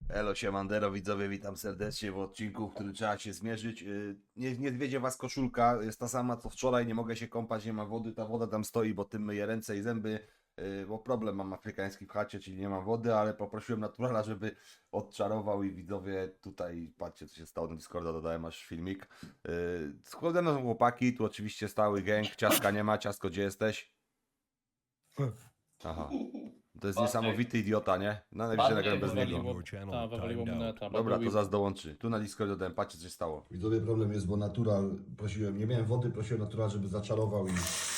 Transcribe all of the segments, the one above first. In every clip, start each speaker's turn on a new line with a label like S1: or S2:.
S1: Elo, siemandero, widzowie, witam serdecznie w odcinku, w którym trzeba się zmierzyć. Nie zwiedzie was koszulka, jest ta sama co wczoraj, nie mogę się kąpać, nie ma wody, ta woda tam stoi, bo tym myję ręce i zęby, bo problem mam afrykański w chacie, czyli nie mam wody, ale poprosiłem naturala, żeby odczarował i widzowie tutaj, patrzcie co się stało na Discorda, dodałem aż filmik. Ze mną są chłopaki, tu oczywiście stały gang, ciastka nie ma, ciastko gdzie jesteś? Aha. To jest
S2: Patryk.
S1: niesamowity idiota, nie? Na najwyżej
S2: Patryk
S1: nagram bez niego.
S2: wywaliło.
S3: A, wywaliło mnie neta, bo
S1: Dobra,
S3: był
S1: to zaraz dołączy. Tu na Discordzie dodałem, patrzcie co się stało.
S4: Widzowie, problem jest, bo natural prosiłem, nie miałem wody, prosiłem natural, żeby zaczarował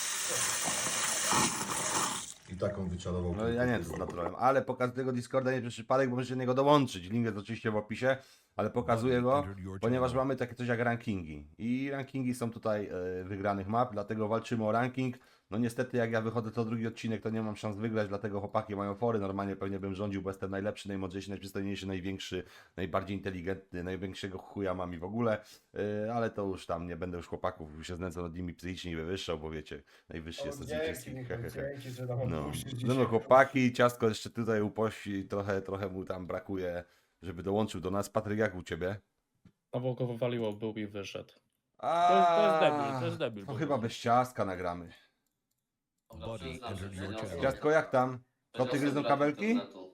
S4: i taką wyczarował.
S1: No ja nie wiem co z naturalem, ale pokaz tego Discorda nie przez przypadek, bo możecie do niego dołączyć. Link jest oczywiście w opisie, ale pokazuję go, ponieważ mamy takie coś jak rankingi. I rankingi są tutaj wygranych map, dlatego walczymy o ranking. No niestety jak ja wychodzę to drugi odcinek, to nie mam szans wygrać, dlatego chłopaki mają fory. Normalnie pewnie bym rządził, bo jestem najlepszy, najmądrzejszy, najprzystojniejszy, największy, najbardziej inteligentny, największego chuja mam i w ogóle. Ale to już tam nie będę już chłopaków, już się znęcał nad nimi psychicznie i wywyższał, bo wiecie, najwyższy jest od wszystkich.
S5: Dzięki, że nam
S1: No,
S5: odpuścisz
S1: no, no chłopaki, ciastko jeszcze tutaj upości, trochę mu tam brakuje, żeby dołączył do nas. Patryk, jak u ciebie?
S3: Znowu go wywaliło, był i wyszedł.
S1: A,
S3: to jest debil.
S1: To chyba bez ciastka nagramy.
S2: Dobra, przyznam, że przeniosłem.
S1: Ciastko, jak tam? Koty gryzą kabelki?
S2: internetu.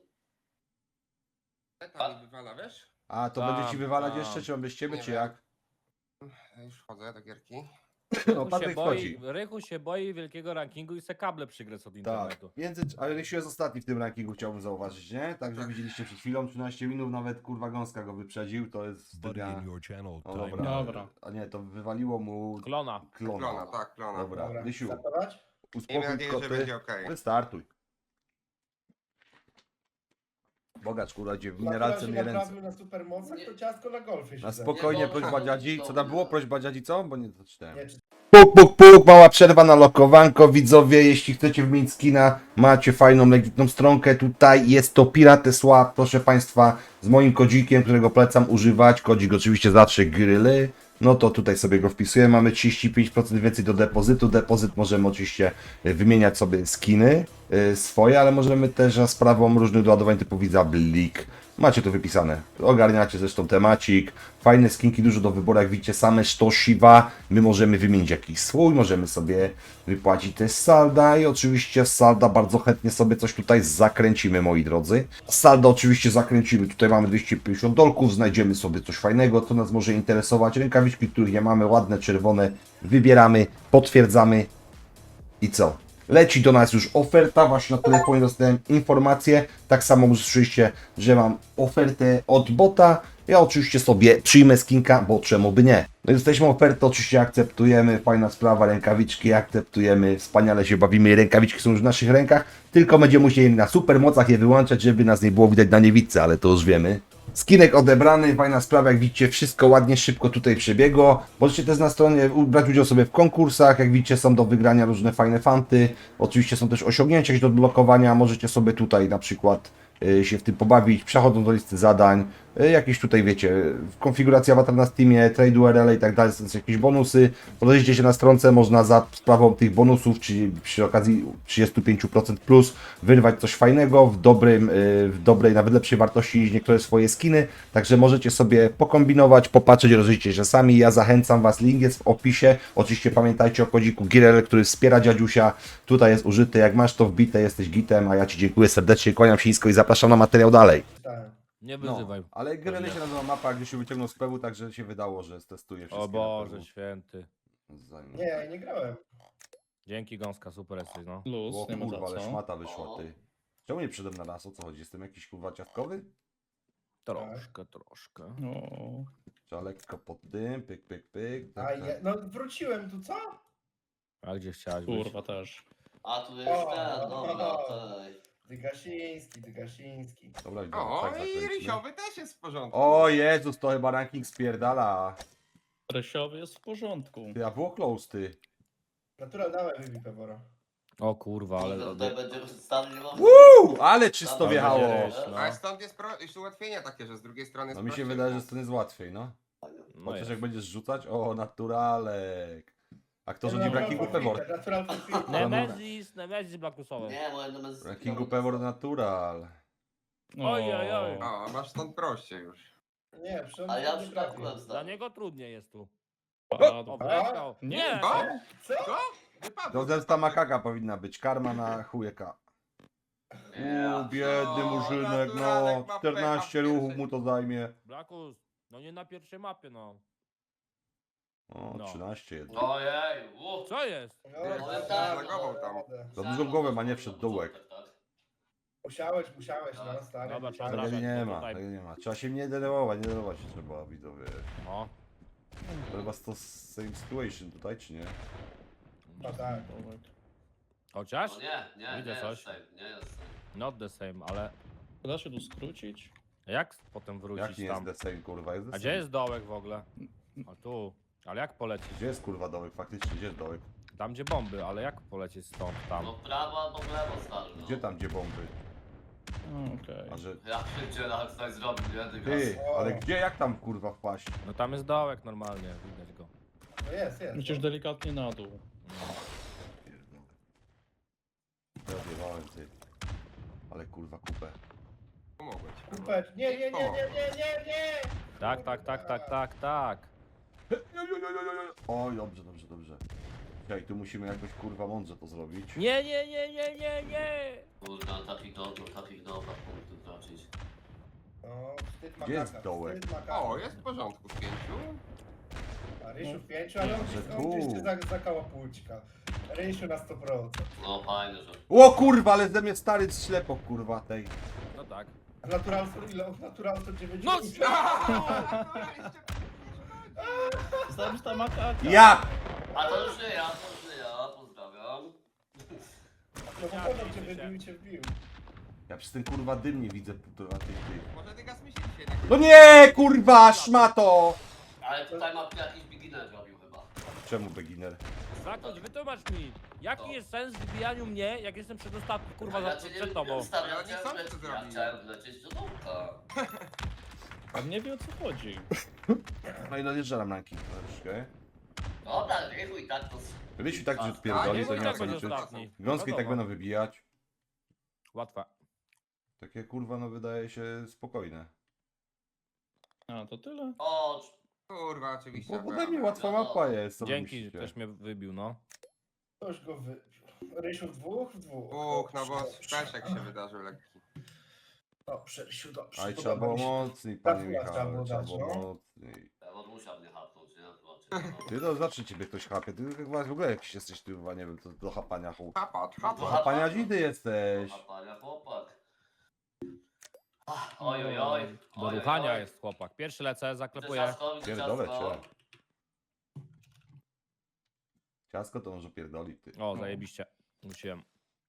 S5: Eta mi wywala, wiesz?
S1: A to
S3: Tam,
S1: będzie ci wywalać
S3: tam.
S1: jeszcze, czy on bez ciebie,
S5: Nie
S1: czy
S5: wiem.
S1: jak?
S5: Ja już wchodzę do gierki.
S1: No, Patryk wchodzi.
S6: Rychu się boi wielkiego rankingu i se kable przygryzł od
S1: Tak,
S6: internetu.
S1: ale Rysiu jest ostatni w tym rankingu, chciałbym zauważyć, nie? Także widzieliście przed chwilą, 13 minut, nawet kurwa gąska go wyprzedził, to jest stylia... No dobra,
S3: Dobra.
S1: a nie, to wywaliło mu
S6: Klona.
S5: Klona, tak, klona.
S1: Dobra, Rysiu,
S5: Miejmy
S1: uspokój
S5: nadzieję, że
S1: koty.
S5: będzie okej.
S1: Wystartuj. Bogacz, kurwa, gdzie w mineralce mnie ręce.
S7: Na supermocach, to ciastko na golfie się
S1: Na
S7: zajmie.
S1: spokojnie,
S2: Nie,
S1: prośba
S2: to-
S1: dziadzi. Co tam było? Prośba dziadzi co? Bo nie doczytałem.
S7: Nie,
S1: Puk, mała przerwa na lokowanko. Widzowie, jeśli chcecie wymienić skina, macie fajną, legitną stronkę. Tutaj jest to Pirateswap, proszę Państwa, z moim kodzikiem, którego polecam używać. Kodzik oczywiście zawsze gryly. No to tutaj sobie go wpisuję. Mamy 35% więcej do depozytu. Depozyt możemy oczywiście wymieniać sobie skiny swoje, ale możemy też za sprawą różnych doładowań typu Visa, Blik. Macie to wypisane. Ogarniacie zresztą temacik. Fajne skinki, dużo do wyboru. Jak widzicie, same sztosiwa. My możemy wymienić jakiś swój, możemy sobie wypłacić też z salda i oczywiście z salda bardzo chętnie sobie coś tutaj zakręcimy, moi drodzy. Z salda oczywiście zakręcimy. Tutaj mamy 250 dolków, znajdziemy sobie coś fajnego, co nas może interesować. Rękawiczki, których nie mamy, ładne, czerwone. Wybieramy, potwierdzamy i co? Leci do nas już oferta, właśnie na telefonie dostałem informację, tak samo usłyszeliście, że mam ofertę od bota. Ja oczywiście sobie przyjmę skinka, bo czemu by nie. No jesteśmy ofertę, oczywiście akceptujemy, fajna sprawa, rękawiczki akceptujemy, wspaniale się bawimy, rękawiczki są już w naszych rękach, tylko będziemy musieli na supermocach je wyłączać, żeby nas nie było widać na niewidce, ale to już wiemy. Skinek odebrany, fajna sprawa, jak widzicie, wszystko ładnie, szybko tutaj przebiegło. Możecie też na stronie brać udział sobie w konkursach, jak widzicie, są do wygrania różne fajne fanty. Oczywiście są też osiągnięcia do odblokowania, możecie sobie tutaj na przykład się w tym pobawić, przechodząc do listy zadań, jakieś tutaj wiecie, konfiguracja awatar na Steamie, trade URL i tak dalej, są jakieś bonusy. Podejrzyjcie się na stronce, można za sprawą tych bonusów, czyli przy okazji 35% plus, wyrwać coś fajnego w dobrej, nawet lepszej wartości niż niektóre swoje skiny, także możecie sobie pokombinować, popatrzeć, rozliczyć się sami. Ja zachęcam Was, link jest w opisie. Oczywiście pamiętajcie o kodziku GIREL, który wspiera dziadziusia, tutaj jest użyty, jak masz to wbite, jesteś gitem, a ja Ci dziękuję serdecznie, kłaniam się nisko i zapraszam na materiał dalej.
S7: czytałem.
S6: Nie
S1: No,
S6: wyzywaj.
S1: ale GIREL się nazywa mapa, gdy się wyciągnął z pewu, także się wydało, że stestuje wszystkie
S6: O Boże
S1: na pewu.
S6: święty.
S7: Nie, ja nie grałem.
S6: Dzięki gąska, super jesteś, no.
S3: Luz,
S1: O
S3: nie ma za
S1: kurwa, ale
S3: co.
S1: szmata wyszła, ty. Czemu nie przyszedłem na raz? O co chodzi? Jestem jakiś kurwa ciastkowy?
S6: Troszkę.
S3: O,
S1: Trzeba lekko pod tym, pyk.
S7: A
S1: Tak,
S7: ja,
S1: tak.
S7: no wróciłem tu, co?
S6: A gdzie chciałeś być?
S3: kurwa też.
S2: A tu jest ten, dobra, tej.
S7: Dygasiński.
S1: Dobra, idę,
S5: O,
S1: tak
S5: i
S1: zakręćmy.
S5: Rysiowy też jest w porządku.
S1: O Jezus, to chyba ranking spierdala.
S3: Rysiowy jest w porządku.
S1: Ty, a było close, ty.
S7: Natural, dawaj wybij pewora.
S6: O kurwa, ale...
S2: Tutaj będzie stan nie ma.
S1: Ale czysto
S2: Tam
S1: wjechało.
S6: będzie ryż, no.
S5: Ale stąd jest ułatwienia takie, że z drugiej strony jest
S1: No mi się
S5: prościej.
S1: wydaje, że to jest łatwiej, no.
S6: No
S1: Chociaż
S6: jest.
S1: jak będziesz rzucać, o, naturalek. A kto rządzi w
S7: Natural
S1: rankingu
S7: forfeited,
S1: Pewor?
S7: Natural forfeited.
S6: Nemezis Blakusowy.
S2: Nie, moje numer
S1: W rankingu Pewor natural.
S6: Oj, oj, oj.
S5: O, masz stąd proście już.
S7: Nie, przecież
S2: A ja
S7: nie
S2: przypadkiem
S7: trafił.
S6: Dla niego trudniej jest tu.
S3: Padł.
S6: Obleciał.
S3: Nie,
S6: Nie!
S5: Co?
S7: Co?
S5: Co? Wypadł.
S1: To zemsta makaka powinna być. Karma na chujeka. Biedny
S5: O,
S1: murzynek, no.
S5: naturalek ma
S1: 14
S5: pecha w
S1: ruchów
S5: pierwszej.
S1: mu to zajmie.
S6: Blakus, no nie na pierwszej mapie, no.
S1: O,
S6: No.
S1: 13 jest.
S2: Ojej,
S6: Co jest?
S7: No,
S2: Ale
S7: tak,
S2: tak,
S5: zlagował
S7: no,
S5: tam.
S7: radę.
S1: Za dużą głowę ma, nie wszedł dołek.
S2: Tak.
S7: Musiałeś, no stary.
S6: Dobra,
S7: musiałeś.
S6: trzeba
S1: Tego nie
S6: bo
S1: ma,
S6: tutaj-
S1: tego nie ma. Trzeba się nie denerwować, nie denerwować się trzeba, widzowie.
S6: No.
S1: To chyba to same situation tutaj, czy nie?
S7: No tak.
S6: Chociaż?
S2: No nie
S6: Widzę
S2: jest
S6: coś.
S2: safe, nie jest safe.
S6: Not the same, ale
S3: Da się tu skrócić?
S6: jak potem
S1: Jak
S6: wrócić
S1: nie
S6: tam?
S1: jest the same, kurwa? Jest the
S6: A gdzie
S1: same.
S6: jest dołek w ogóle? A tu. Ale jak polecieć?
S1: Gdzie jest kurwa dołek? Faktycznie, gdzie jest dołek?
S6: Tam gdzie bomby, ale jak polecieć stąd tam?
S2: No prawo albo w lewo stary, no.
S1: Gdzie tam, gdzie bomby?
S3: Okej.
S1: A że...
S2: Ja pierdzielę, jak ktoś zrobił, nie? Ty
S1: Ty,
S7: O.
S1: ale gdzie, jak tam kurwa wpaść?
S6: No tam jest dołek normalnie, widać go.
S7: No jest.
S3: Musisz delikatnie na dół.
S6: No.
S1: Pierdolę. Ja odjebałem, ty. Ale kurwa kupę.
S5: Pomogłem ci.
S7: Kupeć. Nie.
S6: Tak, tak, tak, tak, tak, tak.
S1: Oj, dobrze. Okej, tu musimy jakoś kurwa mądrze to zrobić.
S6: Nie, nie, nie, nie, nie, nie!
S2: Kurde, takich dobra punktów tracić.
S7: No, wstyd
S1: Gdzie jest
S7: makaka,
S1: dołek?
S7: wstyd makaka.
S5: O, jest w porządku, 5.
S7: A Rysiu w 5, ale on
S1: Że
S7: gdzieś
S1: tu.
S7: się zakała płuczka. Rysiu na 100%.
S2: No fajne, że...
S1: O kurwa, ale ze mnie stary ślepo kurwa tej.
S6: No tak.
S7: Natural ile? Natural to 9.
S6: No,
S3: Zemsta makaka.
S1: Ja!
S2: A to już nie ja, pozdrawiam.
S7: No bo podał cię wybił i cię wbił.
S1: Ja przez ten kurwa dym nie widzę półtora tych.
S5: Może ty gaz mi się dzisiaj nie
S1: No nie, kurwa, szmato!
S2: Ale tutaj ma jakiś beginner robił chyba.
S1: Czemu beginner?
S6: Zakończ, wytłumacz mi. Jaki jest sens w wbijaniu mnie, jak jestem przedostatni, kurwa,
S2: Ja
S6: za,
S2: cię
S6: przed tobą?
S2: Stary,
S5: Ale nie sam to
S2: ja
S5: zrobił.
S2: chciałem wlecieć do dołka.
S3: On nie wie o co chodzi.
S1: No i dojeżdżam ranking troszeczkę.
S2: Dobra, rychu i tak to...
S1: Rysiu tak, że
S5: A,
S1: odpierdoli,
S6: nie
S1: to nie ma
S6: tak
S1: co
S6: będzie
S1: liczyć.
S6: ostatni.
S1: Gąski tak
S6: Wiadomo.
S1: będą wybijać.
S6: Łatwe.
S1: Takie kurwa, no wydaje się spokojne.
S3: A, to tyle?
S2: O,
S5: Kurwa, oczywiście.
S1: Bo ode mnie łatwa mapa jest. co wy
S6: Dzięki,
S1: myślicie?
S6: ktoś mnie wybił, no.
S7: Ktoś go wybił. Rysiu w dwóch? W dwóch.
S5: Bóg, no bo
S7: Dobrze.
S5: peszek się wydarzył lekki.
S7: Dobrze, Rysiu, dobrze.
S1: Aj,
S7: Podoba
S1: trzeba było
S7: mi się.
S1: mocniej, panie
S7: Trafiła, trzeba
S1: Michał,
S7: było
S1: trzeba
S7: dać,
S1: było
S7: no.
S1: mocniej.
S2: ja on musiał mnie hapnąć, nie? Zobaczcie. no.
S1: Ty to zawsze ciebie ktoś chapie, ty chyba w ogóle jakiś jesteś, ty chyba nie wiem, to do chapania chuj.
S5: Chapacz,
S1: Do
S5: chapacz.
S1: chapania dzidy jesteś.
S2: Chapania chłopak. Oj, oj, oj.
S6: Do ruchania jest chłopak. Pierwszy lecę, zaklepuję.
S1: Pierdolę cię. Ciasko to może pierdolić, ty.
S6: O, zajebiście. Musiałem.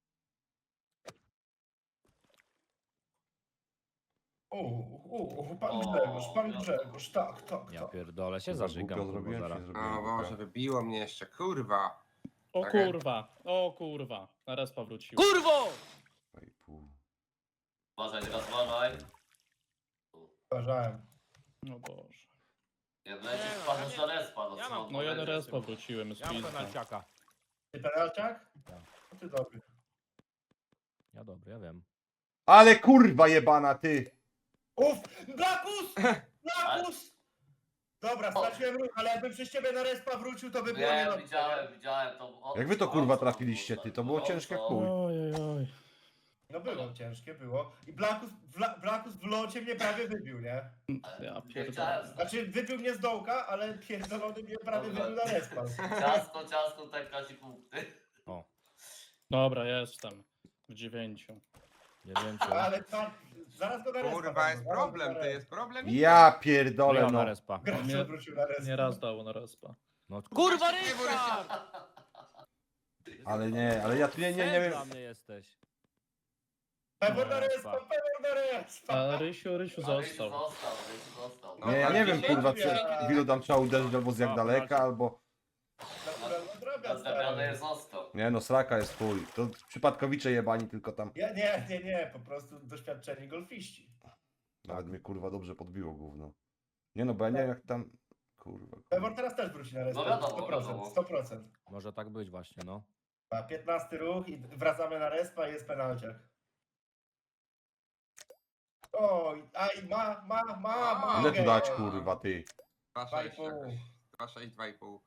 S7: Pan Grzegorz, tak.
S6: Ja pierdolę się
S1: Kurwa,
S6: zażygam,
S1: głupio
S6: kurwa,
S1: zrobiłem,
S6: zaraz.
S1: się nie zrobiłem
S5: O
S1: głupia.
S5: Boże, wybiło mnie jeszcze, kurwa.
S3: O
S5: Tak.
S3: kurwa. Na respa wrócił.
S6: Kurwo!
S1: 2,5.
S2: Uważaj, teraz uważaj.
S7: Uważałem.
S3: No Boże.
S2: Nie wlecisz,
S6: Nie, no,
S2: wpadniesz
S6: ja
S2: na respa, no
S6: ja
S2: co?
S6: mam-
S3: No ja na
S2: powiedzieć?
S3: respa wróciłem z
S6: Ja mam
S3: pizda.
S6: penalciaka.
S7: Ty penalciak?
S6: Tak.
S7: No ty dobry.
S6: Ja dobry, ja wiem.
S1: Ale kurwa jebana, ty!
S7: Blakus! Blakus! Dobra, straciłem ruch, ale jakbym przez ciebie na respa wrócił, to by było
S2: Nie,
S7: niedobrze.
S2: widziałem to. O,
S1: Jak wy to
S2: o,
S1: kurwa
S2: o,
S1: trafiliście, ty? To było ciężkie jak chuj.
S3: Oj.
S7: No było ciężkie, było. I Blakus w locie mnie prawie wybił, nie?
S3: Ja
S2: Nie
S3: pierdolę.
S2: chciałem.
S7: Znaczy wybił mnie z dołka, ale pierdolony mnie prawie
S2: Dobra.
S7: wybił na respa.
S2: Ciasko, tak traci punkty.
S3: Dobra, jestem. W 9.
S6: 9.
S7: Ale pan, zaraz go na respa.
S5: Kurwa,
S7: dam,
S5: jest
S7: zaraz go
S5: problem,
S7: na
S5: ty,
S7: respa.
S5: jest problem?
S1: Ja pierdolę,
S6: Miał na
S1: no.
S6: respa.
S7: Gracz
S3: Nie-
S7: wrócił na respa.
S3: Nie raz dało na respa.
S6: No kurwa, Ryszard!
S1: Ale nie, ale ja tu nie
S6: Sen
S1: wiem.
S6: dla mnie jesteś.
S7: Pewor na respa, pewor na respa.
S3: A Rysiu został.
S2: Został.
S1: Nie, ja nie wiem
S7: No,
S1: kurwa,
S7: dziękuję.
S1: czy ilu tam trzeba uderzyć, albo z jak
S6: A,
S1: daleka,
S6: proszę.
S1: albo...
S7: Naturalna droga,
S2: Zadrabiany
S7: stary.
S2: został.
S1: Nie no, sraka jest chuj. To przypadkowicze jebani, tylko tam...
S7: Nie, po prostu doświadczeni golfiści.
S1: Nawet mnie kurwa dobrze podbiło gówno. Nie no, bo ja nie wiem jak tam... Kurwa.
S7: Pewor teraz też wróci na respa,
S2: No wiadomo,
S7: 100%, 100%.
S6: Może tak być właśnie, no.
S7: A 15 ruch i wracamy na respa i jest penalciak. Oj, aj,
S5: A,
S1: Ile
S7: mogę.
S1: tu dać, kurwa, ty?
S5: 2,6
S7: 2,5.
S5: jakoś. 2,6, 2,5.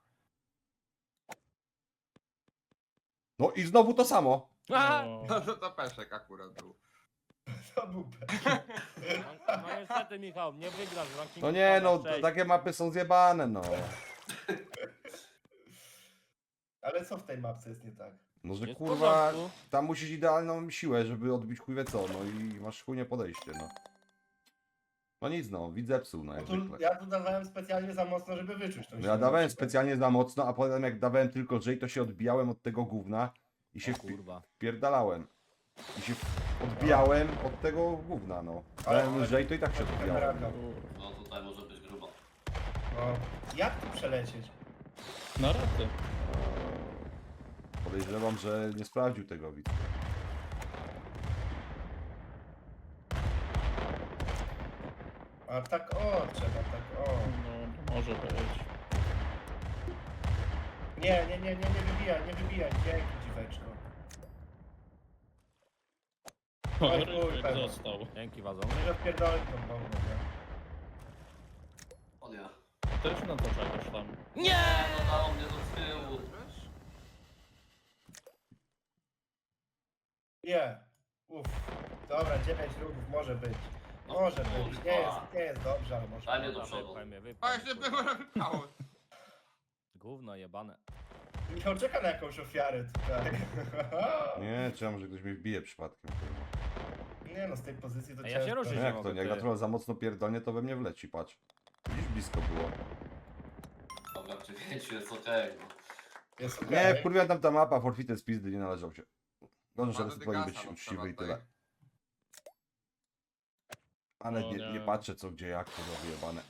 S1: No i znowu to samo.
S6: Aha!
S3: O,
S5: No to peszek akurat był.
S7: To był
S6: No niestety, Michał, nie wygrasz w rankingu.
S1: No nie, no,
S6: Sześć.
S1: takie mapy są zjebane, no.
S7: Ale co w tej mapce jest nie tak?
S1: No, że
S6: Jest w
S1: kurwa,
S6: porządku.
S1: tam musisz idealną siłę, żeby odbić chuj wie co, no i masz chujnie podejście, no. No nic, no, widz zepsuł, no
S7: No
S1: jak
S7: tu,
S1: zwykle.
S7: ja tu dawałem specjalnie za mocno, żeby wyczuć tą
S1: No
S7: siłę.
S1: ja dawałem specjalnie za mocno, a potem jak dawałem tylko lżej, to się odbijałem od tego gówna i się
S6: O kurwa.
S1: wpierdalałem. I się odbijałem od tego gówna, no. Dałem
S7: Ale-
S1: lżej, to i tak się odbijałem.
S3: kurwa.
S2: No tutaj może być grubo.
S7: No, jak tu przelecieć?
S3: Na raty.
S1: Podejrzewam, że nie sprawdził tego widz.
S7: A tak o, trzeba tak o.
S3: No, może być.
S7: Nie wybijaj, dzięki dziweczko.
S3: O,
S7: Oj,
S3: Rysiek
S7: kurwa.
S3: został.
S6: Dzięki, wazon.
S7: Że odpierdolę tą bombę.
S2: O nie.
S3: Też na to czegoś tam.
S2: Nie! No dało mnie do tyłu.
S7: Nie. Uff. Dobra, 9 ruchów może być. Może być. Nie jest dobrze, ale może.
S2: Daj mnie do
S6: Dobra,
S2: przodu.
S6: wypchaj mnie,
S5: A
S6: wypchaj
S5: jeszcze
S6: mnie,
S5: było
S6: kurwa.
S5: wypało.
S6: Gówno jebane.
S7: Michał czeka na jakąś ofiarę tutaj.
S1: Nie, czy ja może ktoś mi wbije przypadkiem, kurwa.
S7: Nie no, z tej pozycji to
S6: A ja się
S7: ciężko.
S6: ruszyć
S1: No
S6: nie
S1: jak
S6: mogę,
S1: to, nie? Jak
S6: ty.
S1: ja trochę za mocno pierdolnie, to we mnie wleci, patrz. Widzisz, blisko było.
S2: Dobra, przy 5 jest okej. No.
S7: Jest
S1: Nie,
S7: okej.
S1: kurwa, tam ta mapa, forfeited z pizdy, nie należał się. Dobrze, że
S5: Ma
S1: reset powinien być
S5: Degasa, no,
S1: uczciwy i
S5: trzeba
S1: tyle. Ale
S3: O
S1: nie,
S3: nie.
S1: nie patrzę co, gdzie, jak, to wyjebane.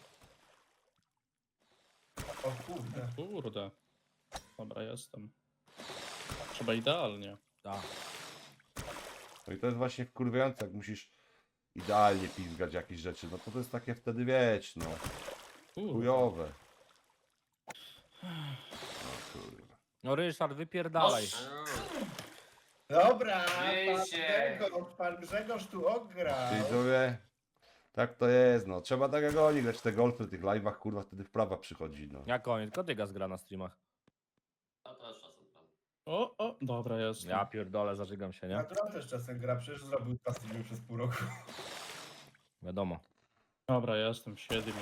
S7: O kurde.
S3: Kurde. Dobra, jestem. Trzeba idealnie.
S6: Tak.
S1: No i to jest właśnie wkurwiające, jak musisz idealnie pizgać jakieś rzeczy, no to jest takie wtedy, wiesz, no,
S3: Kurde.
S1: chujowe. No kurwa.
S6: No Ryszard, wypierdalaj.
S7: Dobra,
S2: Wiecie.
S7: pan Grzegorz tu ograł.
S1: Widzowie, tak to jest, no, trzeba tak jak oni grać te golfy w tych live'ach, kurwa, wtedy wprawa przychodzi, no.
S6: Jak koniec, Kotygas gra na streamach.
S2: Ja też czasem tam.
S3: O, dobra, jestem.
S6: Ja pierdolę, zażygam się, nie?
S7: Natural też czasem gra, przecież zrobił streamy przez pół roku.
S6: Wiadomo.
S3: Dobra, jestem, 7.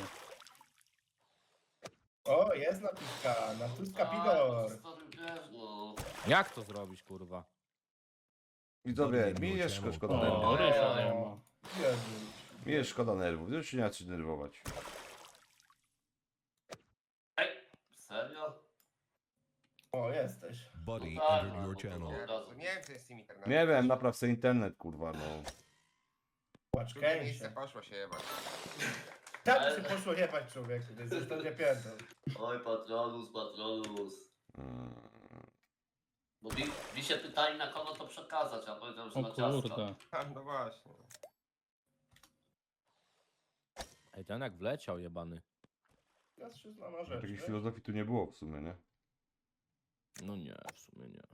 S7: O, jest napiska, natuska Pidor.
S2: No.
S6: Jak to zrobić, kurwa?
S1: Widzowie, mi jest szkoda
S3: O,
S1: nerwów.
S3: Rysia nie ma.
S7: Jezu.
S1: Mi jest szkoda nerwów, już się nie ma co denerwować.
S2: Ej, serio?
S7: O, jesteś.
S8: Buddy
S2: No tak,
S8: entered
S2: no,
S8: your
S2: to-
S8: channel.
S5: Nie wiem, co jest z tym internetem.
S1: Nie wiem, napraw sobie internet, kurwa, no.
S7: Płacz
S5: Drugie miejsce
S7: Kęsie.
S5: poszło się jebać.
S7: Tak się poszło jebać człowieku, to jest ostatnia piętro.
S2: Oj, patronus, patronus.
S1: Mm.
S2: Bo mi się pytali na kogo to przekazać, a powiedziałem, że
S3: O
S2: na ciasto.
S3: kurde.
S5: No właśnie.
S6: Ej, ten jak wleciał, jebany.
S7: Ja się znam na rzecz,
S1: Takiej
S7: wiesz?
S1: filozofii tu nie było w sumie, nie?
S6: No nie, w sumie nie.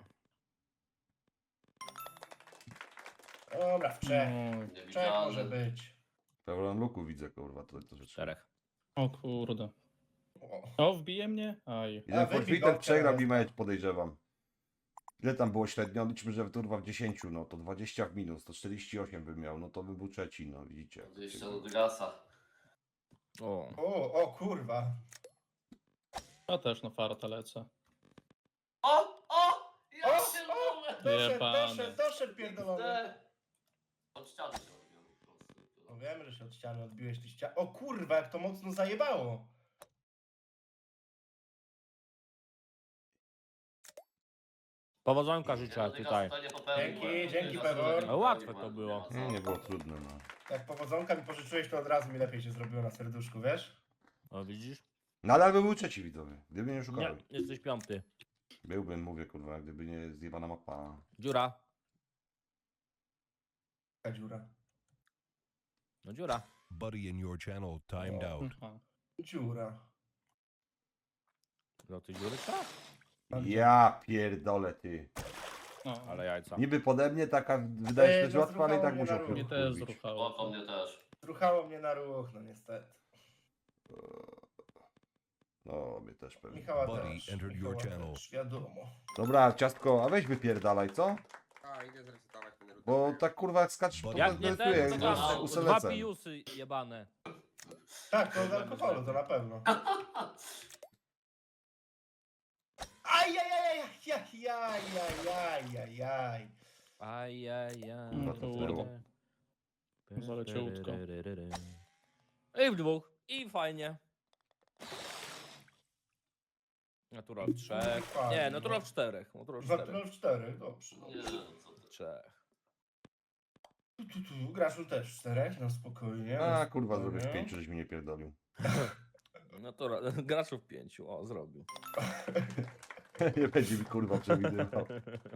S7: Dobra, w Czech.
S3: Oj,
S7: W Czech może być.
S1: Pełen luku widzę, kurwa, to rzeczy.
S6: Czterech.
S3: o kurde.
S7: O.
S3: O, wbije mnie? Aj.
S1: Jeden
S7: A, wybij
S1: forfeited
S7: go
S1: przegrał
S7: teraz.
S1: i mecz, podejrzewam. Ile tam było średnio? Liczmy, że turwa w 10, no to 20 w minus, to 48 by miał, no to by był trzeci, no widzicie.
S2: 20 do Dygasa.
S6: O.
S7: O kurwa.
S3: Ja też na farta lecę.
S2: O! Ja
S7: O!
S2: się lubię!
S3: Jebany.
S7: Doszedł pierdolony.
S2: Od ściany się robiłem po prostu.
S7: No wiem, że się od ściany odbiłeś, ty ściany. O kurwa, jak to mocno zajebało.
S6: Powodzonka życzę tutaj.
S7: Dzięki, Pewor.
S6: No łatwe to było.
S1: Nie było trudne, no.
S7: Jak powodzonka mi pożyczyłeś, to od razu mi lepiej się zrobiło na serduszku, wiesz?
S6: O, widzisz?
S1: Nadal by był trzeci, widzowie, gdyby nie
S6: Nie,
S1: szukałem.
S6: jesteś piąty.
S1: Byłbym, mówię, kurwa, gdyby nie zjebana mapa.
S6: Dziura.
S7: Ta dziura.
S6: No dziura.
S8: Buddy in your channel timed out.
S3: Aha.
S7: Dziura.
S6: No ty dziury trzeba?
S1: Ja pierdolę, ty.
S3: No,
S6: Ale jajca.
S1: Niby pode mnie taka, wydaje się, że
S7: No,
S1: łatwa, ale i tak
S7: zruchało mnie
S1: musiał
S7: na równi.
S3: mnie też
S1: wkurwić.
S3: zruchało.
S2: Oko mnie też.
S7: Ruchało mnie na ruch, no niestety.
S1: No, mnie też pewnie.
S7: Michała
S8: Buddy
S7: też.
S8: entered your
S7: Michała
S8: channel.
S7: też, wiadomo.
S1: Dobra, ciastko, a weź wypierdalaj, co?
S5: A, idę zresetować ten router.
S1: Bo tak kurwa jak skaczesz po
S6: Jak nie ten, to
S2: no,
S6: dwa
S1: uselecem.
S6: pijusy jebane.
S7: Tak, to z alkoholu, to na pewno. Ajajajajajajajajajaj.
S6: Ajajaj.
S1: No to
S3: kurde. Zaleciutko.
S6: I w dwóch. I fajnie. Natural w trzech.
S7: Fajnie,
S6: Nie,
S7: no.
S6: natural w czterech. Natural w czterech.
S7: Natural w 4, dobrze.
S2: Nie, co ty.
S6: Trzech.
S7: Graczu też w 4, no spokojnie.
S1: A
S7: no
S1: kurwa,
S7: spokojnie.
S1: zrobisz 5, żeś mi nie pierdolił.
S6: Natural. Graczów 5. O, zrobił.
S1: Nie będzie mi kurwa przewidywał.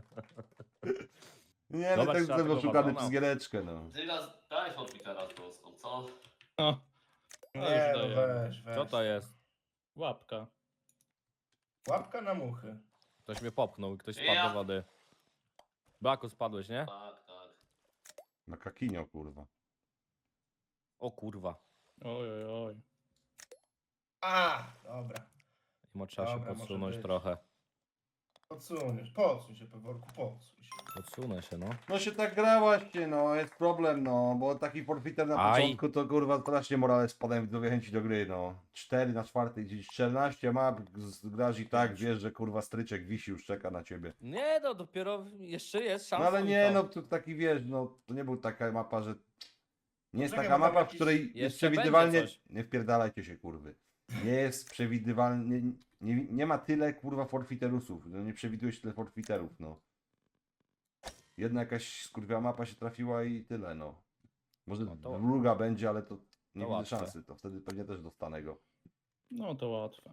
S1: Nie, no
S6: Zobacz,
S1: tak
S6: trzeba
S1: jestem
S6: tego
S1: oszukany
S6: wagona.
S1: przez giereczkę, no.
S2: Dygas, daj forfitera z polską, co?
S3: No,
S7: Nie, no
S3: już daję.
S7: weź.
S6: Co to jest?
S3: łapka.
S7: Łapka na muchy.
S6: Ktoś mnie popchnął i ktoś spadł
S2: Ja.
S6: do wody. Blaku, spadłeś, nie?
S2: Tak, tak.
S1: Na kakinio, kurwa.
S6: O kurwa.
S3: Oj, oj, oj.
S7: A, dobra.
S6: I trzeba się
S7: Dobra, może
S6: podsunąć
S7: być.
S6: trochę. Podsuń
S7: Się, Peworku, podsuń się.
S6: Podsunę się, no.
S1: No się tak gra właśnie, no, jest problem, no, bo taki forfiter na
S6: Aj.
S1: początku to kurwa strasznie morale spadają widzowie chęci do gry, no. 4 na 4, gdzieś 14 map, grasz i tak, wiesz, że kurwa stryczek wisi, już czeka na ciebie.
S6: Nie no, dopiero jeszcze jest szansa.
S1: No ale
S6: i
S1: nie,
S6: to.
S1: no to taki wiesz, no, to nie był taka mapa, że... Nie jest
S7: Czekaj,
S1: taka
S7: bo tam
S1: mapa, w
S7: jakiś-
S1: której jest
S6: jeszcze
S1: przewidywalnie...
S6: będzie coś.
S1: Nie wpierdalajcie się, kurwy. Nie jest przewidywalnie... Nie ma tyle, kurwa, forfiterusów. No, nie przewidujesz tyle forfiterów, no. Jedna jakaś skurwiała mapa się trafiła i tyle, no. Może
S6: No to-
S1: druga będzie, ale to nie
S6: to
S1: widzę
S6: łatwe.
S1: szansy. To wtedy pewnie też dostanę go.
S3: No to łatwe.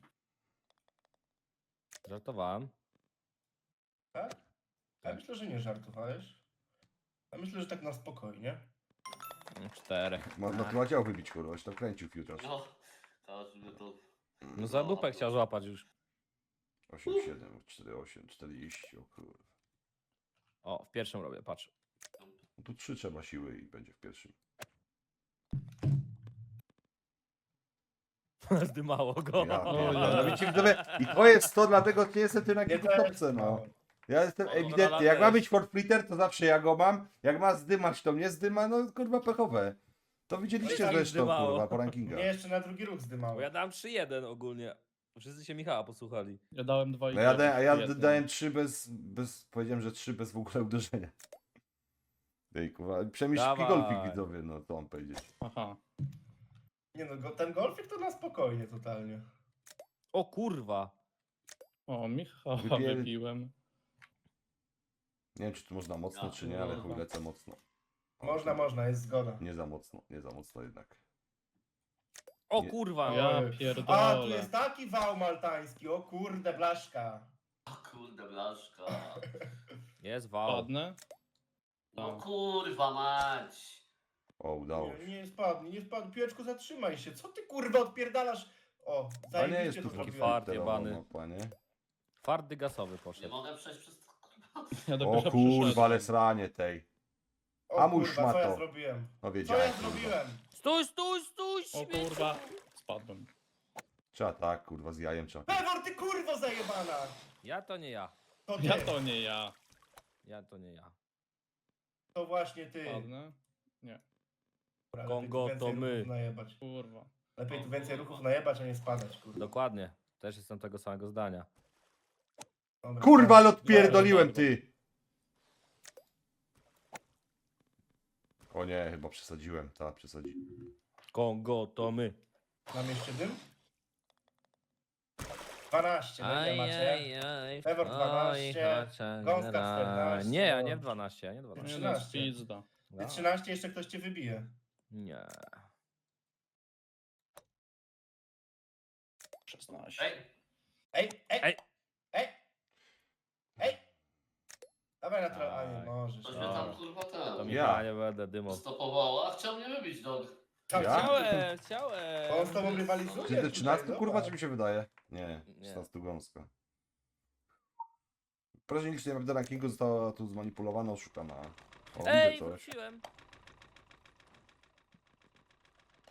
S6: Żartowałem.
S7: Tak? Ja myślę, że nie żartowałeś. Ja myślę, że tak na spokojnie.
S6: 4.
S1: Można tu działo wybić, kurwa, się tam kręcił futures.
S2: No, każdy to...
S6: No za dupę chciał złapać już.
S1: 8, 7, 4, 8, 40, o kurwa.
S6: O, w pierwszym robię, patrz.
S1: No tu 3 trzeba siły i będzie w pierwszym.
S6: Zdymało go.
S1: Ja pierdolę, no widzicie, widzowie, i to jest to, dlatego nie jestem tym na
S7: Nie
S1: kilku topce, no. Ja jestem
S6: No,
S1: ewidentnie, jak ma być forfeiter, to zawsze ja go mam. Jak ma zdymać, to mnie zdyma, no kurwa pechowe. To widzieliście
S6: No i tak
S1: zresztą,
S6: zdymało.
S1: kurwa, po rankingach.
S7: Mnie jeszcze na drugi ruch zdymało.
S6: Bo ja dałem 3-1 ogólnie. Wszyscy się Michała posłuchali.
S3: Ja dałem 2 i
S1: No ja, a ja
S3: jeden.
S1: dałem 3 bez, powiedziałem, że 3 bez w ogóle uderzenia. Ej, kurwa, przemyślki
S6: Dawaj.
S1: golfik widzowie, no to mam powiedzieć.
S3: Aha.
S7: Nie no, ten golfik to na spokojnie totalnie.
S6: O kurwa.
S3: O, Michała
S1: Wypier-
S3: wypiłem.
S1: Nie wiem, czy tu można mocno,
S2: Ja
S1: czy nie, ale chuj,
S3: kurwa.
S1: lecę mocno. O,
S7: Można, jest zgoda.
S1: Nie za mocno jednak.
S6: O
S1: Nie.
S6: kurwa.
S3: Ja
S7: A, tu
S3: pierdolę.
S7: jest taki wał maltański, o kurde, blaszka.
S2: O kurde, blaszka.
S6: Jest wał.
S3: Padnę?
S2: No
S3: Tak.
S2: kurwa mać.
S1: O, udało się.
S7: Nie spadł, piłeczku zatrzymaj się. Co ty kurwa odpierdalasz? O,
S1: A nie jest
S7: zajebiście
S1: tu
S7: to
S6: taki
S7: zrobiłem.
S6: fart
S1: forfiterowa
S6: jebany.
S1: mapa, nie?
S6: Twardy gasowy
S2: Nie
S6: poszedł.
S2: mogę przejść przez to, kurwa.
S3: Ja
S1: O
S3: dopiero
S1: kurwa, ale
S3: przyszedłem.
S1: sranie tej.
S7: O
S1: Amuś
S7: kurwa, co ja
S1: szmato.
S7: zrobiłem?
S1: No
S7: Co
S1: wiedziałem.
S7: ja
S1: kurwa.
S7: zrobiłem?
S6: Stój,
S3: O
S6: śmieciu.
S3: kurwa. Spadłem.
S1: Trzeba tak, kurwa, z jajem trzeba.
S7: Pewor, ty kurwo zajebana!
S6: Ja to nie ja.
S7: To ty,
S3: Ja to nie ja.
S6: Ja to nie ja.
S7: to właśnie ty.
S3: Padnę?
S7: Dobra,
S6: Kongo
S7: lepiej tu
S6: to
S7: więcej
S6: my.
S7: ruchów najebać.
S3: Kurwa.
S7: Lepiej tu więcej ruchów najebać, a nie spadać, kurwa.
S6: Dokładnie. Też jestem tego samego zdania.
S7: Dobra,
S1: Kurwa, ale
S7: tak.
S1: odpierdoliłem, ty! O nie, chyba przesadziłem, tak, przesadzi.
S6: Kongo to my.
S7: Mam jeszcze dym? 12, no ile macie? Pewor 12, Gąska 14.
S6: Nie, ja nie w 12, ja nie w
S3: Nie
S6: 12.
S3: no,
S7: 13.
S3: spizda.
S7: Ty 13, jeszcze ktoś cię wybije.
S6: Nie.
S3: 16.
S2: Ej,
S7: Ej, ej,
S6: Ej.
S7: ej, ej! Dawaj na trochę, a nie
S6: Aj.
S7: możesz.
S2: coś
S7: no.
S2: mnie tam
S6: Dobra.
S2: kurwa
S6: To
S2: ten.
S6: mi
S1: Ja.
S6: nie będę dymował.
S2: Stopowała, a chciał mnie wybić, dog.
S7: Tak,
S1: Ja?
S6: Chciałem.
S7: On z tobą rywalizuje.
S1: Czy to
S7: tutaj,
S1: 13
S7: zobacz.
S1: kurwa, czy mi się wydaje? Nie,
S6: Nie.
S1: 16 gąska. Proszę licznie map do rankingu została tu zmanipulowana, oszukana. O,
S6: Ej,
S1: widzę coś.
S6: wróciłem.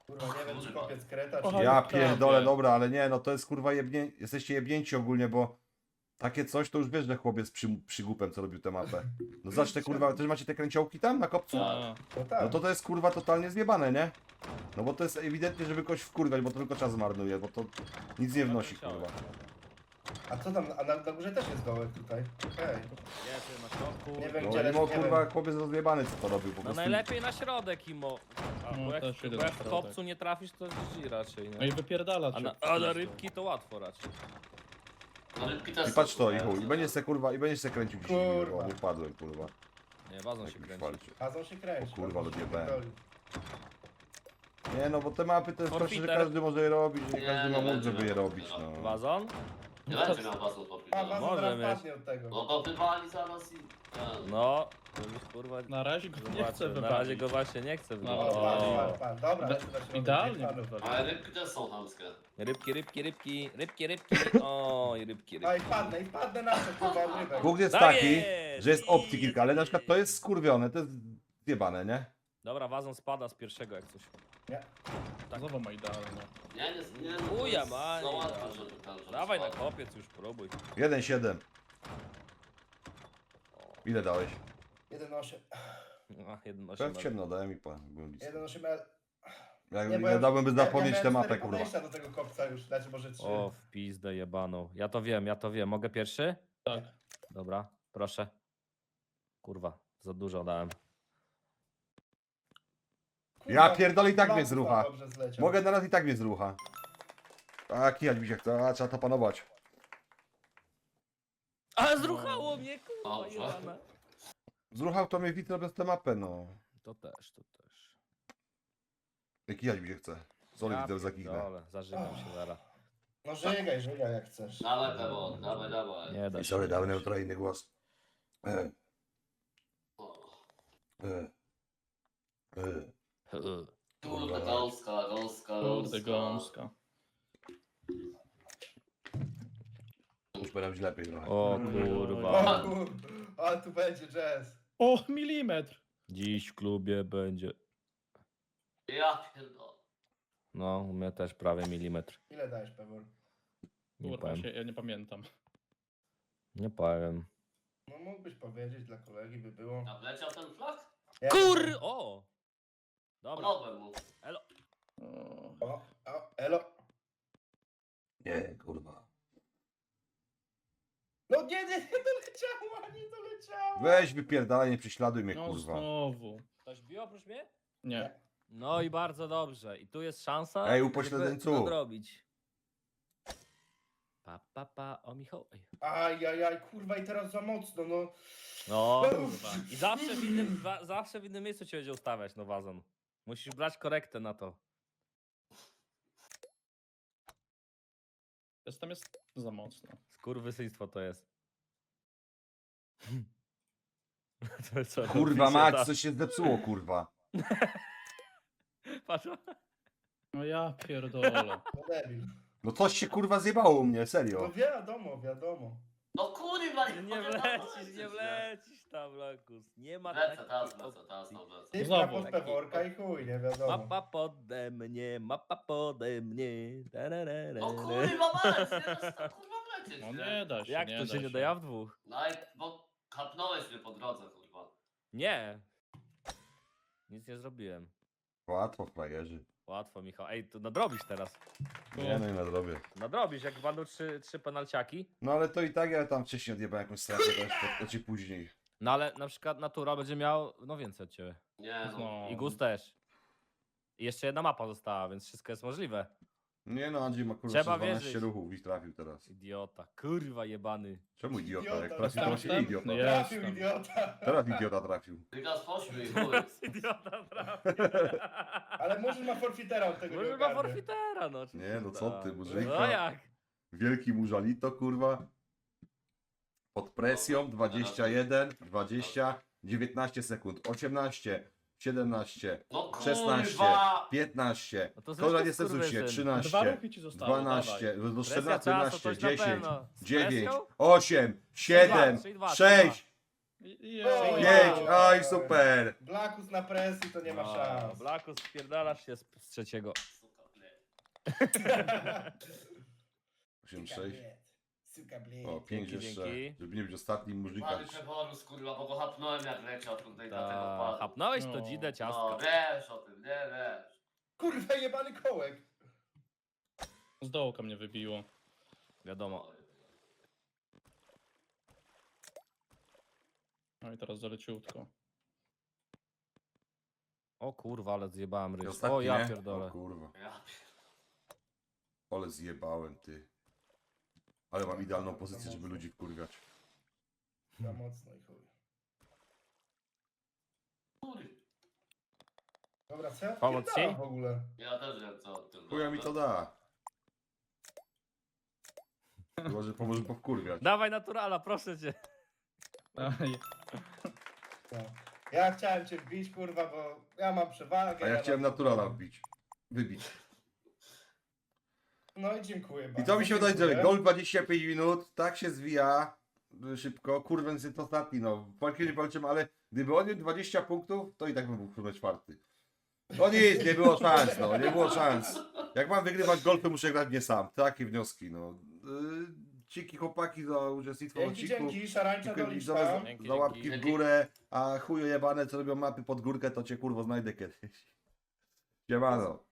S7: Kurwa, nie wiem, czy kopiec kreta,
S3: Kochaj,
S7: czy...
S1: Ja
S3: prawie.
S1: pierdolę, dobra, ale nie, no to jest kurwa jesteście jebnięci ogólnie, bo takie coś to już wiesz, że chłopiec przygłupem, co robił tę mapę. No zacznę kurwa, też macie te kręciołki tam na kopcu?
S3: A,
S7: No tak.
S1: No to jest kurwa totalnie zjebane, nie? No bo to jest ewidentnie, żeby kogoś wkurwać, bo to tylko czas marnuje, bo to nic nie wnosi, kurwa.
S7: A co tam, a na górze też jest dołek tutaj. Okej.
S6: Jest na środku.
S7: Nie wiem,
S1: No
S7: gdzie
S1: i
S7: leży,
S1: mo,
S7: nie
S1: kurwa,
S7: wiem.
S1: chłopiec rozjebany, co to robił, po
S6: No
S1: prostu.
S6: najlepiej na środek, Imo.
S3: No,
S6: Bo jak,
S3: też idę
S6: bo jak
S3: na
S6: w
S3: środek.
S6: kopcu nie trafisz, to GG raczej,
S3: no
S6: nie?
S3: i wypierdala
S6: A
S3: cię.
S6: na rybki to łatwo raczej.
S2: No rybki też
S1: I patrz
S2: są
S1: to, i
S2: super,
S1: chuj, i będziesz se kurwa, i będziesz se kręcił dzisiaj,
S7: Kurwa.
S1: bo nie wpadłem, kurwa.
S6: Nie, wazon się
S1: Jakimś
S6: kręci.
S1: falcie.
S7: Azon się kręci.
S1: O kurwa,
S7: Azon się
S1: odjebałem.
S7: pierdoli.
S1: Nie no, bo te mapy to jest proste, że
S6: Forfeiter.
S1: każdy może je robić, że nie
S2: Nie,
S1: każdy ma
S2: nie
S1: mózg,
S2: będzie
S1: żeby je
S2: miał
S1: robić, no.
S2: forfeitera.
S6: Wazon?
S2: Nie będzie miał bazu po
S7: A,
S2: chwili.
S7: Azon
S6: Może
S7: zaraz
S6: mieć.
S7: padnie od tego.
S2: No go wywali zaraz i...
S6: No, to już kurwa...
S3: Na razie go nie
S6: zobaczę.
S3: chcę
S6: Na razie
S3: wywalić.
S6: go właśnie nie chcę
S3: No,
S7: O, pan,
S6: wywalić.
S7: pan, pan. Dobra, lecę na środek.
S3: Idealnie
S7: Panu.
S3: wywalił.
S2: Ale rybki też są chamskie.
S6: Rybki, rybki, rybki, rybki, rybki. Oj, rybki,
S7: A
S6: rybki.
S7: i wpadnę na to, kurwa, od rybek.
S1: Punkt jest
S6: Tak
S1: taki,
S6: jest!
S1: że jest opcji kilka, ale na przykład to jest skurwione, to jest zjebane, nie?
S6: Dobra, wazon spada z pierwszego jak coś.
S7: Nie.
S3: Znowu ma idealnie.
S2: Nie, no to
S6: Chuja
S2: jest
S6: maj,
S2: za łatwo,
S6: dawaj.
S2: żeby ten, żeby
S6: Dawaj na
S2: spadł.
S6: kopiec już, próbuj.
S1: 1-7. Ile dałeś?
S7: 1,8.
S6: A, 1,8.
S1: Powiem ciemno, dałem i byłem blisko.
S7: 1,8L.
S1: Jak
S7: Nie, bo
S1: nie dałbym by zapomnieć
S7: miałem
S1: tę mapę,
S7: 4
S1: kurwa.
S7: podejścia do tego kopca już, znaczy może 3.
S6: O, w pizdę jebaną. Ja to wiem. Mogę pierwszy?
S3: Tak.
S6: Dobra, proszę. Kurwa, za dużo dałem.
S1: Ja pierdolę, i tak mnie zrucha.
S7: Dobrze zleciał.
S1: Mogę na raz i tak mnie zrucha. A kijać mi się chce, a trzeba to panować.
S6: Ale zruchało mnie, kurwa,
S2: Dobrze.
S6: jebana.
S1: Zruchał to mnie widz robiąc tę mapę, no.
S6: To też.
S1: Jak kijać mi się chce. Zoli widzę zaginę.
S6: Dole, zażynam się zaraz.
S7: No żygaj jak chcesz.
S2: Dawaj Pewor, dawaj.
S6: Nie da
S1: I
S6: się.
S1: sorry, dałem neutralny głos.
S2: O, Kurde, gąska.
S3: Kurde, gąska.
S1: Już będę być lepiej trochę.
S6: O kurwa.
S7: O kur... Ale tu będzie jazz.
S3: O, milimetr!
S6: Dziś w klubie będzie.
S2: Ja pierdolę.
S6: No, u mnie też prawie milimetr.
S7: Ile dajesz, Pewor?
S6: Nie
S3: Kurwa,
S6: powiem.
S3: ja nie pamiętam.
S6: Nie powiem.
S7: No mógłbyś powiedzieć, dla kolegi by było.
S2: A wleciał ten flag?
S7: Ja-
S6: O! Dobra.
S2: Ponownie mu.
S3: O,
S7: O, elo.
S1: Nie, kurwa.
S7: No nie doleciała, nie doleciała.
S1: Weź wypierdalaj, nie prześladuj mnie,
S3: no
S1: kurwa.
S3: znowu.
S6: Ktoś bił oprócz mnie?
S3: Nie.
S6: No i bardzo dobrze. I tu jest szansa,
S1: Ej, upośledzeńcu.
S6: żeby nadrobić. O Michał. Ej.
S7: Ajajaj, kurwa i teraz za mocno, no.
S6: No, kurwa. I zawsze w innym miejscu cię będzie ustawiać, no wazon. Musisz brać korektę na to.
S3: Tam jest za mocno.
S6: Skurwysyństwo to jest. To jest co,
S1: Kurwa
S6: pisze
S1: mać,
S6: ta-
S1: coś się zepsuło, kurwa.
S6: Patrz.
S3: No ja pierdolę.
S7: No debil.
S1: No coś się kurwa zjebało u mnie,
S7: No
S1: serio.
S7: wiadomo.
S2: No kurwa,
S6: Nie wlecisz tam, Lakus. Nie ma
S2: Lecę,
S6: takiej
S2: teraz
S6: opcji.
S2: lecę.
S7: Ty
S3: Znowu.
S7: pod Peworka i chuj, nie wiadomo.
S6: Mapa pode mnie. Tararara.
S2: No kurwa mać, nie dasz tam kurwa wlecieć,
S3: No
S2: nie?
S3: nie da się,
S6: Jak
S3: nie
S6: to
S3: da
S6: się nie da? Ja w dwóch.
S2: No i, bo kapnąłeś mnie po drodze, kurwa.
S6: Nie. Nic nie zrobiłem.
S1: Łatwo, frajerzy.
S6: Łatwo, Michał. Ej, to nadrobisz teraz.
S1: Nie no i nadrobię.
S6: Nadrobisz, jak będą trzy penalciaki.
S1: No ale to i tak ja tam wcześniej odjebałem jakąś stratę, to ci później.
S6: No ale na przykład Natura będzie miał no więcej od ciebie.
S2: Nie no.
S3: No.
S6: I Gus też. I jeszcze jedna mapa została, więc wszystko jest możliwe.
S1: Nie no, Andrzej ma kurwa
S6: Trzeba
S1: 12
S6: wierzyć.
S1: ruchów i trafił teraz.
S6: Idiota, kurwa jebany.
S1: Czemu idiota? Jak
S7: Idiota,
S1: trafił, to właśnie
S3: jestem.
S1: idiota.
S3: No
S7: Trafił
S3: jestem.
S7: idiota.
S1: Teraz idiota trafił.
S2: Wygas pośmiej, chuj.
S6: Idiota, prawda.
S7: Ale Murzyk ma forfitera od tego nie
S6: Może ma
S7: ogarnie.
S6: forfitera, no oczywiście.
S1: Nie, no co
S6: tak.
S1: ty, Murzyka.
S6: No jak?
S1: Wielki mużalito, kurwa. Pod presją 21, 20, 19 sekund, 18, 17,
S2: No
S1: 16,
S2: kurwa!
S1: 15.
S6: No to
S1: Konrad
S6: zwykły
S1: jest Cezusie,
S6: skurwysyn.
S1: 13,
S3: 2 ruchy ci zostały,
S1: 12, do
S6: Presja
S1: 14,
S6: czasu,
S1: 15,
S6: coś na
S1: 10,
S6: pewno. Z
S1: 9,
S6: presją?
S1: 8, 7,
S6: Czyli dwa,
S1: 6,
S7: O,
S1: Jedź, oj, super.
S7: Blackus na presji to nie ma
S6: No,
S7: szans.
S6: Blackus, spierdalasz się z trzeciego.
S2: Suka, ble.
S1: 8-6.
S7: Suka bled.
S1: O, 5
S6: Dzięki,
S1: jeszcze,
S6: dzięki.
S1: żeby nie być ostatnim murzykam.
S2: Pali Przeborus, kurwa, bo go hapnąłem jak leciał tutaj na tego
S6: Ta,
S2: panu.
S6: Chapnąłeś to
S3: No.
S6: dzidę
S2: No,
S6: ciastka.
S2: wiesz o tym, nie wiesz.
S7: Kurwa jebany kołek.
S3: Z dołka mnie wybiło.
S6: Wiadomo.
S3: No i teraz zaleciutko.
S6: O kurwa, ale zjebałem
S1: I
S6: ryż.
S1: ostatni,
S6: O ja
S1: nie?
S6: pierdolę.
S1: O kurwa,
S2: Ja
S1: ale zjebałem, ty. Ale mam idealną pozycję, żeby ludzi wkurwiać.
S7: Za mocno i chuj.
S2: pierdolę.
S7: Dobra, co ja
S6: Pomóc
S7: odpierdalam
S6: ci?
S7: w ogóle?
S2: Ja też wiem co o tym.
S1: Chuja mi to da. Chyba, że pomoże powkurwiać.
S6: Dawaj naturala, proszę cię.
S3: Aj,
S7: No. Ja chciałem cię wbić, kurwa, bo ja mam przewagę.
S1: A ja chciałem
S7: mam-
S1: naturala wbić. Wybić.
S7: No i dziękuję
S1: I
S7: bardzo.
S1: to mi się wydaje,
S7: dziękuję.
S1: że gol 25 minut, tak się zwija szybko. Kurwa, jest to ostatni, no. Walki nie walczymy, ale gdyby on miał 20 punktów, to i tak bym był kurwa czwarty. No nic, nie było szans, no, nie było szans. Jak mam wygrywać gol, to muszę grać nie sam. Takie wnioski, no. Dzięki chłopaki za uczestnictwo w
S7: Dzięki,
S1: odcinku.
S7: dzięki, szarańcza
S1: Dziękuję
S7: doliczka.
S1: widzowie za,
S6: Dzięki,
S1: za łapki
S6: dzięki.
S1: w górę, a chuje jebane, co robią mapy pod górkę, to cię kurwo znajdę kiedyś. Siemano.